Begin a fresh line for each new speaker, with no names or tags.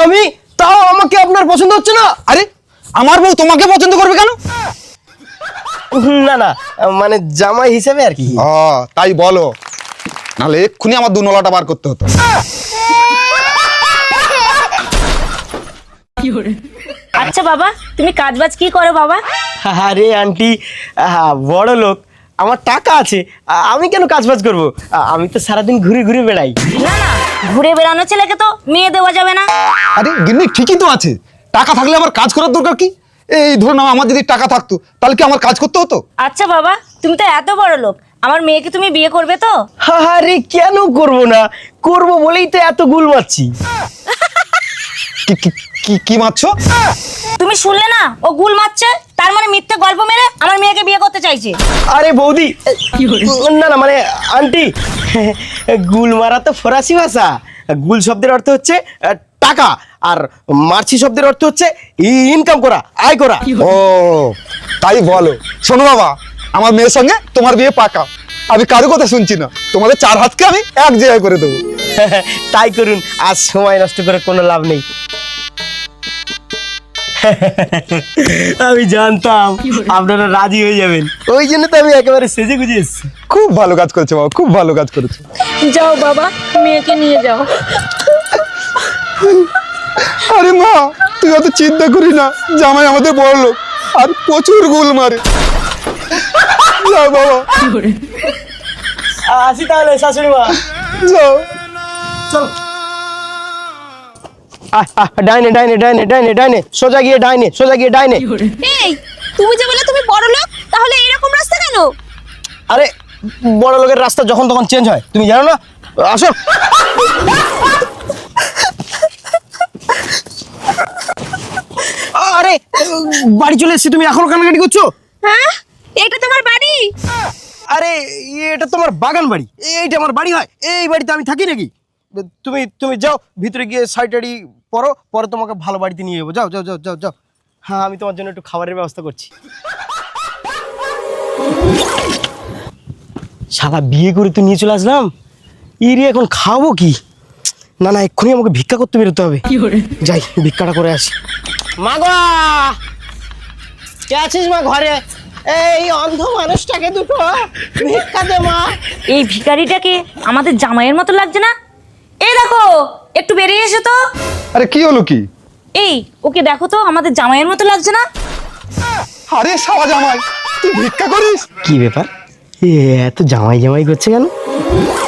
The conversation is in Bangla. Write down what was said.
আমি, তাও আমাকে আপনার পছন্দ হচ্ছে না?
আরে আমার বউ তোমাকে পছন্দ করবে কেন?
না না, মানে জামাই হিসেবে আর কি।
তাই বলো, নাহলে এক্ষুনি আমার দুনলাটা বার করতে হতো।
আচ্ছা বাবা, তুমি কাজবাজ কি করো বাবা?
আরে আন্টি, বড় লোক, আমার টাকা আছে, আমি কেন কাজবাজ করব? আমি তো সারাদিন ঘুরে ঘুরে বেড়াই।
না না, ঘুরে বেড়ানো ছেলেকে তো মেয়ে দেওয়া যাবে না।
আরে গিন্নি ঠিকই তো আছে, টাকা থাকলে আমার কাজ করার দরকার কি? এই ধরুন আমার যদি টাকা থাকতো তাহলে কি আমার কাজ করতে হতো?
আচ্ছা বাবা, তুমি তো এত বড় লোক, আমার মেয়েকে তুমি বিয়ে করবে তো?
আরে কেন করব না, করব বলেই তো এত গুল মারছি।
কি মারছো?
তুমি শুনলে না, ও গুল মারছে, তার মানে মিথ্যে গল্প মেরে আমার মেয়েকে বিয়ে করতে চাইছে।
আরে বৌদি, না না, মানে আন্টি, গুল মারা তো ফরাসি ভাষা। গুল শব্দের অর্থ হচ্ছে টাকা, আর মারছি শব্দের অর্থ হচ্ছে ইনকাম করা, আয় করা।
ও তাই বলো। শোনো বাবা, আমার মেয়ের সঙ্গে তোমার বিয়ে পাকা। আমি কারো কথা শুনছি না, তোমাদের চার হাতকে আমি এক জায়গায় করে দেবো।
তাই করুন, আজ সময় নষ্ট করে কোনো লাভ নেই। আমি জানতাম আপনারা রাজি হয়ে যাবেন, ওই জন্য তো আমি একেবারে সেজে গুজে এসেছি।
খুব ভালো কাজ করেছো বাবা, খুব ভালো কাজ করেছো।
যাও বাবা, মেয়েকে নিয়ে যাও।
আরে মা, তুই অত চিন্তা করি না, জামাই আমাদের বড় লোক আর প্রচুর গুল মারে। যাও বাবা,
আসি তাহলে শাশুড়ি মা।
যাও।
চল, ডাইনে ডাইনে ডাইনে ডাইনে ডাইনে, সোজা গিয়ে ডাইনে, সোজা গিয়ে ডাইনে।
এই, তুমি যে বলে তুমি বড় লোক, তাহলে এরকম রাস্তা কেন?
আরে বড় লোকের রাস্তা যখন তখন চেঞ্জ হয়, তুমি জানো না? আসো। আরে বাড়ি চলে এসেছি, তুমি এখনো কান্নাকাটি করছো?
হ্যাঁ, এটা তোমার বাড়ি?
আরে এটা তোমার বাগান বাড়ি, এইটা আমার বাড়ি হয়? এই বাড়িতে আমি থাকি নাকি? তুমি তুমি যাও ভিতরে গিয়ে শাড়ি পরো, পরে তোমাকে ভালো বাড়িতে নিয়ে যাবো। যাও যাও যাও যাও যাও। হ্যাঁ, আমি তোমার জন্য একটু খাবারের ব্যবস্থা করছি। শালা বিয়ে করে তো নিয়ে চলে আসলাম, ইরে এখন খাবো কি? না না, এক্ষুনি আমাকে ভিক্ষা করতে বেরোতে হবে। যাই, ভিক্ষাটা করে আসি। মা গো, কে আছিস মা ঘরে? এই অন্ধ মানুষটাকে দুটো ভিক্ষা দে মা।
এই ভিখারিটাকে আমাদের জামাইয়ের মতো লাগছে না? এই দেখো, একটু বেরিয়ে এসো তো।
আরে কি হলো কি?
এই, ওকে দেখো তো, আমাদের জামাইয়ের মতো লাগছে না?
আরে সারা জামাই, তুই ভিক্ষা করিস?
কি ব্যাপার, এত জামাই জামাই করছে কেন?